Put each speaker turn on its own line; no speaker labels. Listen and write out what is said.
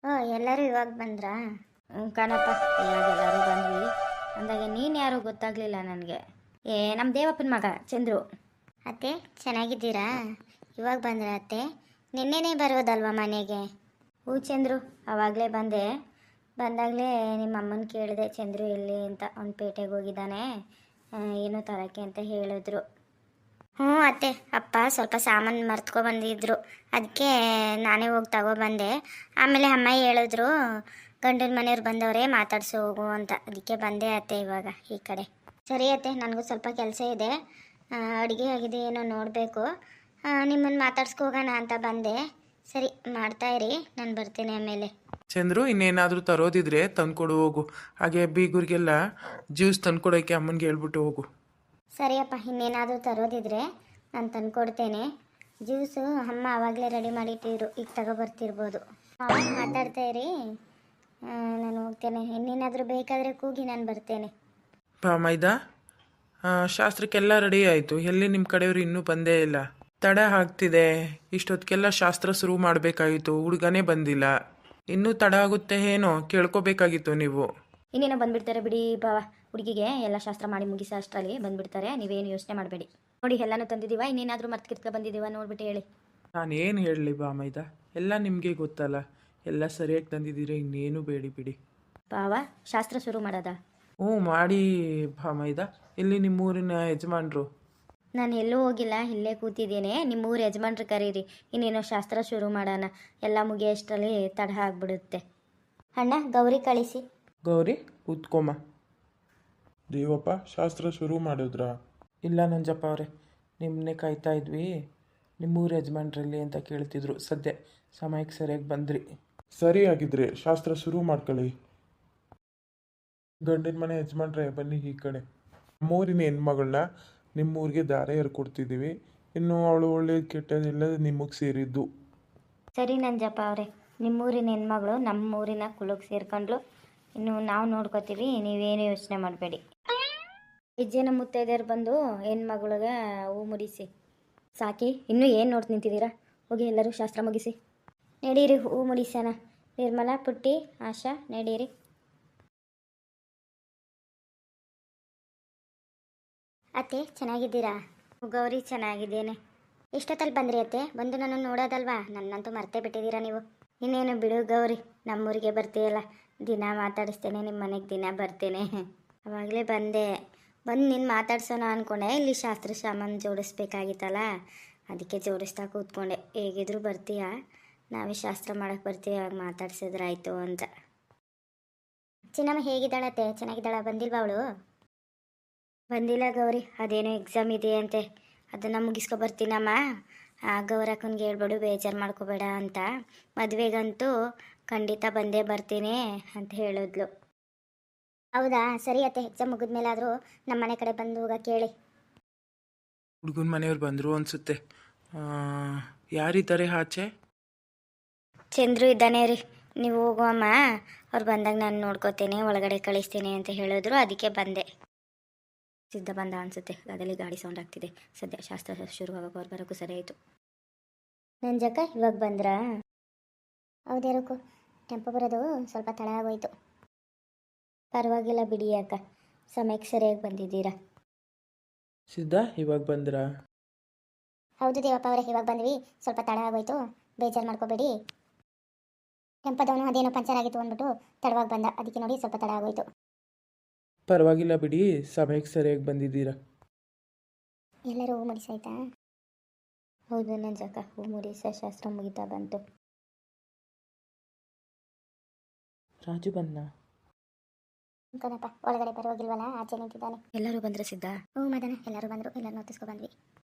ಓ ಎಲ್ಲರೂ ಇವಾಗ ಬಂದ್ರಾ?
ಕಣಪ್ಪ, ಇವಾಗ ಎಲ್ಲರೂ ಬಂದ್ವಿ ಅಂದಾಗೆ ನೀನು ಯಾರು ಗೊತ್ತಾಗಲಿಲ್ಲ ನನಗೆ. ನಮ್ಮ ದೇವಪ್ಪನ ಮಗ ಚಂದ್ರು.
ಅತ್ತೆ ಚೆನ್ನಾಗಿದ್ದೀರಾ? ಇವಾಗ ಬಂದ್ರ ಅತ್ತೆ? ನಿನ್ನೆನೇ ಬರೋದಲ್ವಾ ಮನೆಗೆ?
ಹೂ ಚಂದ್ರು, ಆವಾಗಲೇ ಬಂದೆ. ಬಂದಾಗಲೇ ನಿಮ್ಮ ಅಮ್ಮನ ಕೇಳಿದೆ ಚಂದ್ರು ಎಲ್ಲಿ ಅಂತ. ಅವ್ನು ಪೇಟೆಗೆ ಹೋಗಿದ್ದಾನೆ, ಏನೋ ತರಕ್ಕೆ ಅಂತ ಹೇಳಿದ್ರು.
ಹ್ಞೂ ಅತ್ತೆ, ಅಪ್ಪ ಸ್ವಲ್ಪ ಸಾಮಾನು ಮರ್ತ್ಕೊ ಬಂದಿದ್ರು, ಅದಕ್ಕೆ ನಾನೇ ಹೋಗಿ ತಗೊಬಂದೆ. ಆಮೇಲೆ ಅಮ್ಮ ಹೇಳಿದ್ರು ಗಂಡನ ಮನೆಯವ್ರು ಬಂದವರೇ ಮಾತಾಡ್ಸಿ ಹೋಗು ಅಂತ, ಅದಕ್ಕೆ ಬಂದೆ ಅತ್ತೆ ಇವಾಗ ಈ ಕಡೆ. ಸರಿ ಅತ್ತೆ, ನನಗೂ ಸ್ವಲ್ಪ ಕೆಲಸ ಇದೆ, ಅಡುಗೆ ಆಗಿದೆ ಏನೋ ನೋಡಬೇಕು, ನಿಮ್ಮನ್ನು ಮಾತಾಡ್ಸ್ಕೋಗೋಣ ಅಂತ ಬಂದೆ. ಸರಿ ಮಾಡ್ತಾ ಇರಿ, ನಾನು ಬರ್ತೀನಿ ಆಮೇಲೆ.
ಚಂದ್ರು, ಇನ್ನೇನಾದರೂ ತರೋದಿದ್ರೆ ತಂದ್ಕೊಡು ಹೋಗು. ಹಾಗೆ ಬೀಗರಿಗೆಲ್ಲ ಜ್ಯೂಸ್ ತಂದ್ಕೊಡೋಕ್ಕೆ ಅಮ್ಮನಿಗೆ ಹೇಳ್ಬಿಟ್ಟು ಹೋಗು.
ಸರಿಯಪ್ಪ, ಇನ್ನೇನಾದರೂ ತರೋದಿದ್ರೆ ನಾನು ತಂದ್ಕೊಡ್ತೇನೆ. ಜ್ಯೂಸು ಅಮ್ಮ ಆವಾಗಲೇ ರೆಡಿ ಮಾಡಿಟ್ಟಿರು, ಈಗ ತಗೊಬರ್ತಿರ್ಬೋದು. ಮಾತಾಡ್ತಾ ಇರಿ, ನಾನು ಹೋಗ್ತೇನೆ. ಇನ್ನೇನಾದರೂ ಬೇಕಾದರೆ ಕೂಗಿ ನಾನು ಬರ್ತೇನೆ.
ಮೈದಾ, ಶಾಸ್ತ್ರಕ್ಕೆಲ್ಲ ರೆಡಿ ಆಯಿತು. ಎಲ್ಲಿ ನಿಮ್ಮ ಕಡೆಯವರು ಇನ್ನೂ ಬಂದೇ ಇಲ್ಲ. ತಡ ಆಗ್ತಿದೆ. ಇಷ್ಟೊತ್ತಿಗೆಲ್ಲ ಶಾಸ್ತ್ರ ಶುರು ಮಾಡಬೇಕಾಗಿತ್ತು, ಹುಡುಗನೇ ಬಂದಿಲ್ಲ. ಇನ್ನೂ ತಡ ಆಗುತ್ತೆ ಏನೋ, ಕೇಳ್ಕೊಬೇಕಾಗಿತ್ತು ನೀವು.
ಇನ್ನೇನೋ ಬಂದುಬಿಡ್ತಾರೆ ಬಿಡಿ ಬಾವ. ಹುಡುಗಿಗೆ ಎಲ್ಲ ಶಾಸ್ತ್ರ ಮಾಡಿ ಮುಗಿಸೋ ಅಷ್ಟರಲ್ಲಿ ಬಂದುಬಿಡ್ತಾರೆ, ನೀವೇನು ಯೋಚನೆ ಮಾಡಬೇಡಿ. ನೋಡಿ ಎಲ್ಲನೂ ತಂದಿದ್ದೀವ, ಇನ್ನೇನಾದರೂ ಮರ್ತ್ಕಿರ್ಕ ಬಂದಿದ್ದೀವ ನೋಡ್ಬಿಟ್ಟು ಹೇಳಿ.
ನಾನೇನು ಹೇಳಲಿ ಮೈದಾ, ಎಲ್ಲ ನಿಮಗೆ ಗೊತ್ತಲ್ಲ. ಎಲ್ಲ ಸರಿಯಾಗಿ ತಂದಿದ್ದೀರಿ, ಇನ್ನೇನು ಬೇಡಿ ಬಿಡಿ.
ಬಾವ, ಶಾಸ್ತ್ರ ಶುರು ಮಾಡೋದಾ?
ಹ್ಞೂ ಮಾಡಿ ಮೈದಾ. ಇಲ್ಲಿ ನಿಮ್ಮೂರಿನ ಯಜಮಾನ್ರು?
ನಾನು ಎಲ್ಲೂ ಹೋಗಿಲ್ಲ, ಇಲ್ಲೇ ಕೂತಿದ್ದೇನೆ. ನಿಮ್ಮೂರು ಯಜಮಾನ್ರು ಕರೀರಿ, ಇನ್ನೇನೋ ಶಾಸ್ತ್ರ ಶುರು ಮಾಡೋಣ. ಎಲ್ಲ ಮುಗಿಯೋಷ್ಟರಲ್ಲಿ ತಡ ಆಗಿಬಿಡುತ್ತೆ.
ಅಣ್ಣ ಗೌರಿ ಕಳಿಸಿ.
ಗೌರಿ ಕೂತ್ಕೊಮ್ಮ.
ದೇವಪ್ಪ, ಶಾಸ್ತ್ರ ಶುರು ಮಾಡಿದ್ರಾ?
ಇಲ್ಲ ನಂಜಪ್ಪ ಅವರೇ, ನಿಮ್ಮನ್ನೇ ಕಾಯ್ತಾ ಇದ್ವಿ. ನಿಮ್ಮೂರು ಯಜಮಾನ್ರಲ್ಲಿ ಅಂತ ಕೇಳ್ತಿದ್ರು, ಸದ್ಯ ಸಮಯಕ್ಕೆ ಸರಿಯಾಗಿ ಬಂದ್ರಿ.
ಸರಿ ಆಗಿದ್ರೆ ಶಾಸ್ತ್ರ ಶುರು ಮಾಡ್ಕೊಳ್ಳಿ. ಗಂಡಿನ ಮನೆ ಯಜಮಾನ್ರೆ ಬನ್ನಿ ಈ ಕಡೆ. ನಮ್ಮೂರಿನ ಹೆಣ್ಮಗಳನ್ನ ನಿಮ್ಮೂರಿಗೆ ದಾರ ಕೊಡ್ತಿದ್ದೀವಿ. ಇನ್ನು ಅವಳು ಒಳ್ಳೇದು ಕೆಟ್ಟದಿಲ್ಲ ನಿಮಗೆ ಸೇರಿದ್ದು.
ಸರಿ ನಂಜಪ್ಪ ಅವರೇ, ನಿಮ್ಮೂರಿನ ಹೆಣ್ಮಗಳು ನಮ್ಮೂರಿನ ಕುಲಕ್ಕೆ ಸೇರ್ಕೊಂಡ್ಲು. ಇನ್ನು ನಾವು ನೋಡ್ಕೋತೀವಿ, ನೀವೇನು ಯೋಚನೆ ಮಾಡಬೇಡಿ. ಹೆಜ್ಜೆನ ಮುತ್ತೈದೆಯರು ಬಂದು ಹೆಣ್ಮಗಳಿಗೆ ಹೂ ಮುಡಿಸಿ ಸಾಕಿ. ಇನ್ನೂ ಏನು ನೋಡ್ತು ನಿಂತಿದ್ದೀರಾ? ಹೋಗಿ ಎಲ್ಲರೂ ಶಾಸ್ತ್ರ ಮುಗಿಸಿ ನಡೀರಿ, ಹೂ ಮುಡಿಸೋಣ. ನಿರ್ಮಲಾ, ಪುಟ್ಟಿ, ಆಶಾ, ನಡೀರಿ.
ಅತ್ತೆ ಚೆನ್ನಾಗಿದ್ದೀರಾ?
ಗೌರಿ, ಚೆನ್ನಾಗಿದ್ದೇನೆ.
ಎಷ್ಟೊತ್ತಲ್ಲಿ ಬಂದ್ರಿ ಅತ್ತೆ? ಬಂದು ನನ್ನನ್ನು ನೋಡೋದಲ್ವಾ? ನನ್ನಂತೂ ಮರ್ತೇ ಬಿಟ್ಟಿದ್ದೀರಾ ನೀವು.
ಇನ್ನೇನು ಬಿಡು ಗೌರಿ, ನಮ್ಮೂರಿಗೆ ಬರ್ತೀಯಲ್ಲ, ದಿನ ಮಾತಾಡಿಸ್ತೇನೆ, ನಿಮ್ಮ ಮನೆಗೆ ದಿನ ಬರ್ತೇನೆ.
ಅವಾಗಲೇ ಬಂದೆ, ಬಂದು ನಿನ್ನ ಮಾತಾಡ್ಸೋಣ ಅಂದ್ಕೊಂಡೆ. ಇಲ್ಲಿ ಶಾಸ್ತ್ರ ಸಾಮಾನು ಜೋಡಿಸ್ಬೇಕಾಗಿತ್ತಲ್ಲ, ಅದಕ್ಕೆ ಜೋಡಿಸ್ತಾ ಕೂತ್ಕೊಂಡೆ. ಹೇಗಿದ್ರು ಬರ್ತೀಯಾ, ನಾವೇ ಶಾಸ್ತ್ರ ಮಾಡೋಕ್ಕೆ ಬರ್ತೀವಿ, ಆಗ ಮಾತಾಡ್ಸಿದ್ರಾಯ್ತು ಅಂತ. ಚಿನ್ನಮ್ಮ ಹೇಗಿದ್ದಾಳತ್ತೆ? ಚೆನ್ನಾಗಿದ್ದಾಳ? ಬಂದಿಲ್ವಾ ಅವಳು?
ಬಂದಿಲ್ಲ ಗೌರಿ, ಅದೇನೋ ಎಕ್ಸಾಮ್ ಇದೆ ಅಂತೆ, ಅದನ್ನು ಮುಗಿಸ್ಕೊ ಬರ್ತೀನಮ್ಮ. ಗೌರಕ್ಕನಿಗೆ ಹೇಳ್ಬೇಡು, ಬೇಜಾರು ಮಾಡ್ಕೋಬೇಡ ಅಂತ. ಮದುವೆಗಂತೂ ಖಂಡಿತ ಬಂದೇ ಬರ್ತೀನಿ ಅಂತ ಹೇಳಿದ್ಲು.
ಹೌದಾ? ಸರಿ ಅತ್ತೆ, ಎಕ್ಸಾಮ್ ಮುಗಿದ್ಮೇಲಾದರೂ ನಮ್ಮ ಮನೆ ಕಡೆ ಬಂದು ಹೋಗ ಕೇಳಿ.
ಹುಡುಗನ ಮನೆಯವ್ರು ಬಂದರು ಅನಿಸುತ್ತೆ. ಯಾರಿದ್ದಾರೆ ಆಚೆ?
ಚಂದ್ರು ಇದ್ದಾನೆ ರೀ, ನೀವು ಹೋಗುವಮ್ಮ, ಅವ್ರು ಬಂದಾಗ ನಾನು ನೋಡ್ಕೋತೇನೆ, ಒಳಗಡೆ ಕಳಿಸ್ತೀನಿ ಅಂತ ಹೇಳಿದ್ರು, ಅದಕ್ಕೆ ಬಂದೆ. ಸಿದ್ಧ ಬಂದ ಅನಿಸುತ್ತೆ, ಅದಲ್ಲಿ ಗಾಡಿ ಸೌಂಡ್ ಆಗ್ತಿದೆ. ಸದ್ಯ ಶಾಸ್ತ್ರ ಶುರು ಆಗೋಕೆ ಅವ್ರು ಬರೋಕ್ಕೂ ಸರಿ ಆಯಿತು.
ನಂಜಕ್ಕ ಇವಾಗ ಬಂದ್ರಾ? ಹೌದೇರಕ್ಕೂ, ಟೆಂಪೋ ಬರೋದು ಸ್ವಲ್ಪ ತಡ ಆಗೋಯ್ತು.
ಪರವಾಗಿಲ್ಲ ಬಿಡಿ ಅಕ್ಕ, ಸಮಯಕ್ಕೆ ಸರಿಯಾಗಿ ಬಂದಿದ್ದೀರಾ.
ಸಿದ್ಧ ಇವಾಗ ಬಂದ್ರಾ?
ಹೌದು ದೇವಪ್ಪ ಅವರೇ, ಇವಾಗ ಬಂದ್ವಿ. ಸ್ವಲ್ಪ ತಡ ಆಗೋಯ್ತು, ಬೇಜಾರು ಮಾಡ್ಕೋಬೇಡಿ. ಟೆಂಪೋದವನು ಅದೇನೋ ಪಂಚರ್ ಆಗಿತ್ತು ಅಂದ್ಬಿಟ್ಟು ತಡವಾಗಿ ಬಂದ, ಅದಕ್ಕೆ ನೋಡಿ ಸ್ವಲ್ಪ ತಡ ಆಗೋಯ್ತು.
ಪರವಾಗಿಲ್ಲ ಬಿಡಿ, ಸಮಯಕ್ಕೆ ಸರಿಯಾಗಿ ಬಂದಿದ್ದೀರಾ.
ಎಲ್ಲರೂ ಹೂ ಮುಡಿಸಾಯ್ತಾ?
ಹೌದು ನಂಜಕ್ಕ, ಹೂ ಮುಡಿಸ ಶಾಸ್ತ್ರ ಮುಗಿತಾ ಬಂತು.
ರಾಜು ಬಂದ?
ಕಣಪ್ಪ, ಒಳಗಡೆ ಬರೋಗಿಲ್ವಲ್ಲ, ಆಚೆ ನಿಂತಿದ್ದಾನೆ.
ಎಲ್ಲರೂ ಬಂದರೆ ಸಿದ್ಧ?
ಹ್ಞೂ ಮದನ, ಎಲ್ಲರೂ ಬಂದರು, ಎಲ್ಲರೂ ನೋಟಿಸ್ಕೊ ಬಂದ್ವಿ.